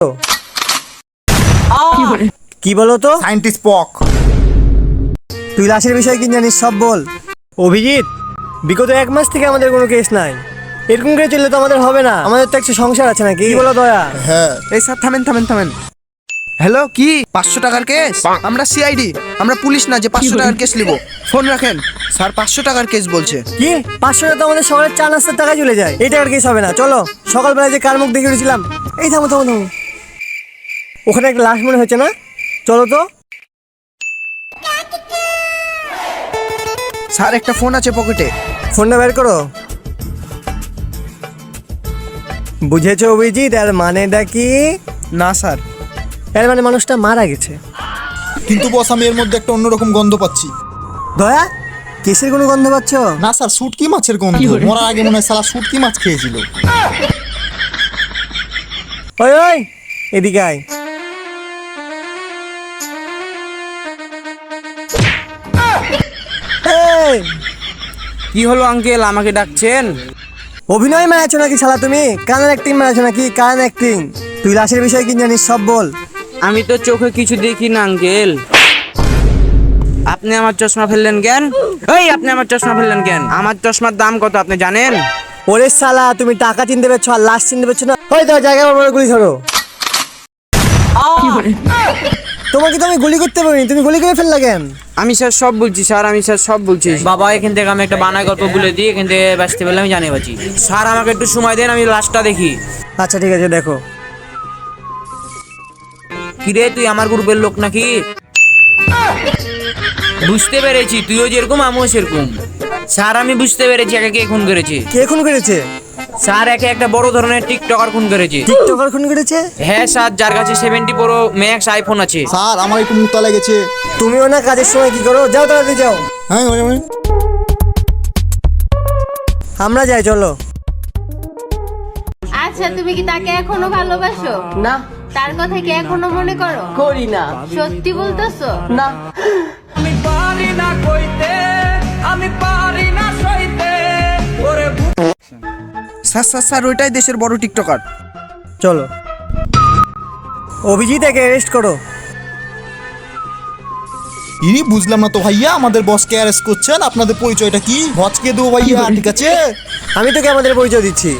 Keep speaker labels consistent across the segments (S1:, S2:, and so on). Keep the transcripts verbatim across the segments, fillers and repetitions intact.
S1: কি বলো তো?
S2: সায়েন্টিস্ট পক।
S1: তুই লাশের বিষয়ে কি জানিস সব বল। অভিজিৎ, বিগত এক মাস থেকে আমাদের কোনো কেস নাই। এরকম করে চললে তো আমাদের হবে না, আমাদের তো একটা সংসার আছে নাকি? কি বলো দয়া?
S2: হ্যাঁ।
S3: এই স্যার থামেন থামেন থামেন। হ্যালো, কি পাঁচশো টাকার কেস? আমরা সিআইডি, আমরা পুলিশ না যে পাঁচশো টাকার কেস নিব। ফোন রাখেন স্যার, পাঁচশো টাকার কেস বলছে।
S1: কি পাঁচশো টাকা তো আমাদের সকালের চা নাস্তার টাকা চলে যায়, এই টাকার কেস হবে না। চলো, সকালবেলায় যে কার মুখ দেখে উঠেছিলাম। এই থামো থামো থামো, ওখানে একটা লাশ মনে হচ্ছে না? চলো তো।
S3: স্যার একটা ফোন আছে পকেটে।
S1: ফোনটা বের করো। বুঝেছো অভিজিৎ, এর মানেটা কি?
S3: না স্যার।
S1: এর মানে মানুষটা মারা গেছে।
S2: কিন্তু বস, আমি এর মধ্যে একটা অন্যরকম গন্ধ পাচ্ছি।
S1: দয়া, কেসের কোনো গন্ধ পাচ্ছ?
S2: না স্যার, শুটকি মাছের গন্ধ। মরার আগে মনে হয় সালা শুটকি মাছ খেয়েছিল।
S1: ওই ওই, এদিকে আয়। এই,
S4: কি হলো আঙ্কেল, আমাকে ডাকছেন?
S1: অভিনয় মারাচ্ছ নাকি শালা তুমি? কানের অ্যাক্টিং মারাচ্ছ নাকি? কান অ্যাক্টিং। তুই লাশের বিষয়ে কি জানিস সব বল।
S4: আমি তো চোখে কিছু দেখি না আঙ্কেল। আপনি আমার চশমা ফেললেন কেন? এই আপনি আমার চশমা ফেললেন কেন? আমার চশমার দাম কত আপনি জানেন?
S1: ওরে শালা, তুমি টাকা চিনতে পারছো আর লাশ চিনতে পারছো না? ওই তো জায়গা বড় গুলি ধরো। তোমাকে তো আমি গুলি করতে পারিনি, তুমি গুলি করে ফেললা কেন?
S4: আমি স্যার সব বলছি স্যার, আমি স্যার সব বলছি। বাবা, এখান থেকে আমি একটা বানায় গল্প বলে দিই, এখান থেকে বাঁচতে পারলে আমি জানি বাঁচি। স্যার আমাকে একটু সময় দেন, আমি লাশটা দেখি।
S1: আচ্ছা ঠিক আছে, দেখো।
S4: কিরে, তুই আমার গ্রুপের লোক নাকি? বুঝতে পেরেছি, তুইও যেরকম আমিও সেরকম। স্যার আমি বুঝতে পেরেছি একে কে খুন করেছে।
S1: কে খুন করেছে?
S4: স্যার একে একটা বড় ধরনের টিকটকার খুন করেছে।
S1: টিকটকার খুন করেছে?
S4: হ্যাঁ স্যার, যার কাছে সেভেন্টি প্রো ম্যাক্স আইফোন আছে।
S2: স্যার, আমার একটু মুতা লেগেছে।
S1: তুমিও না কাজের সময় কি করো? যাও তাড়াতাড়ি যাও।
S2: হ্যাঁ,
S1: আমরা যাই, চলো।
S5: আচ্ছা, তুমি কি তাকে এখনো ভালোবাসো?
S6: না,
S5: তার কথা কি এখনো মনে করো?
S6: করি না।
S5: সত্যি বলতেছো?
S6: না,
S7: আমি পারি না কইতে, আমি পারি না সইতে ওরে।
S3: স্যার স্যার স্যার ওইটাই দেশের বড় টিকটকার।
S1: চলো, অভিজিৎ একে অ্যারেস্ট করো।
S2: ইনি বুঝলাম না তো ভাইয়া, আমাদের বসকে অ্যারেস্ট করছেন, আপনাদের পরিচয়টা কি? ভজকে দেবো ভাইয়া, ঠিক আছে?
S1: আমি তোকে আমাদের পরিচয় দিচ্ছি।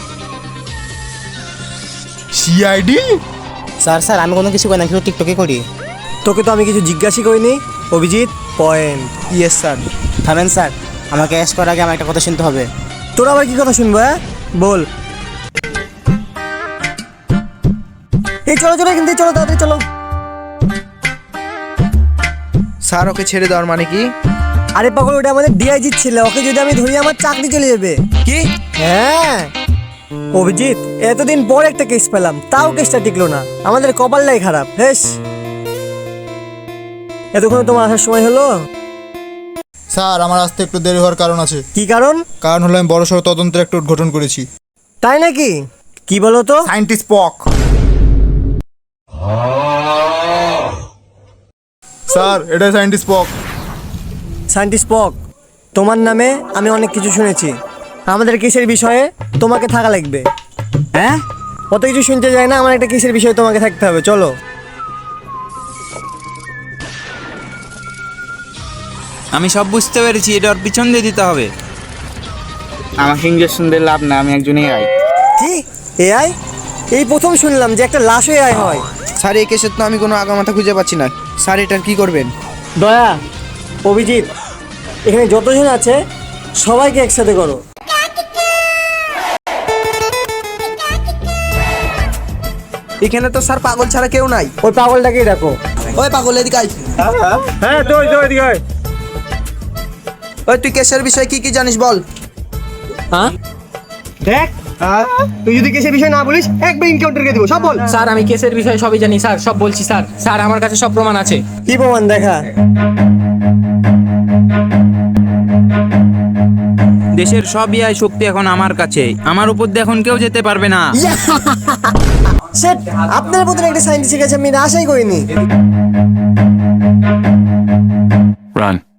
S2: সিআইডি।
S6: স্যার স্যার আমি কোনো কিছু করি না, কিন্তু টিকটকে করি।
S1: তোকে তো আমি কিছু জিজ্ঞাসা করিনি। অভিজিৎ, পয়েন্ট।
S3: Yes sir.
S6: থামেন স্যার, আমাকে অ্যারেস্ট করার আগে আমার একটা কথা শুনতে হবে।
S1: তোর আবার কি কথা শুনবো? হ্যাঁ বল। এই চলো চলো, কিন্তু চলো তাড়াতাড়ি চলো।
S3: স্যার ওকে ছেড়ে দেওয়ার মানে কি?
S1: আরে পাগল, ওটা আমাদের ডিআইজি ছিল, ওকে যদি আমি ধরি আমার চাকরি চলে যাবে।
S3: কি?
S1: হ্যাঁ অভিজিৎ, এতদিন পর একটা কেস পেলাম, তাও কেসটা টিকলো না। আমাদের কপালটাই খারাপ। হেস, এতক্ষণ তোমার আসার সময় হলো।
S2: স্যার, আমার আসতে একটু দেরি হওয়ার কারণ আছে।
S1: কি কারণ?
S2: কারণ হলো আমি বড়সড় তদন্তের একটা উদ্ঘাটন করেছি।
S1: তাই নাকি? কি বলো তো?
S2: সায়েন্টিস্ট পক। স্যার, এটাই সায়েন্টিস্ট পক।
S1: সায়েন্টিস্ট পক, তোমার নামে আমি অনেক কিছু শুনেছি। আমাদের কেসের বিষয়ে তোমাকে থাকা লাগবে।
S4: হ্যাঁ,
S1: অত কিছু শুনতে যায় না, আমার একটা কেসের বিষয়ে তোমাকে থাকতে হবে। চলো।
S4: আমি সব বুঝতে পেরেছি, এটা ওর পিছন দিয়ে দিতে হবে। আমাকে ইঞ্জেকশন দিয়ে লাভ না, আমি একজন এআই।
S1: কি এআই? এই প্রথম শুনলাম যে একটা লাশ এআই হয়।
S3: স্যার এই কেসের তো আমি কোনো আগামাথা খুঁজে পাচ্ছি না। স্যার এটার কি করবেন?
S1: দয়া, অভিজিৎ, এখানে যতজন আছে সবাইকে একসাথে করো।
S3: এখানে তো স্যার পাগল ছাড়া কেউ নাই।
S1: ওই পাগলটাকেই ডাকো।
S3: ওই পাগল এদিকে আয়।
S1: হ্যাঁ তো ওই তো ওইদিকে আয়।
S3: ওই তুই কেসের বিষয়ে কি কি জানিস বল।
S1: হ্যাঁ দেখ, তুই যদি কেসের বিষয় না বলিস একবার এনকাউন্টারকে দেবো। সব বল।
S6: স্যার আমি কেসের বিষয়ে সবই জানি স্যার, সব বলছি স্যার। স্যার আমার কাছে সব প্রমাণ আছে।
S1: কি প্রমাণ? দেখা।
S4: দেশের সব এআই শক্তি এখন আমার কাছে, আমার উপর দিয়ে এখন কেউ যেতে পারবে না।
S1: সেট, আপনার মতন একটা সায়েন্টিস্টের কাছে আমি আশাই করিনি।
S8: Run.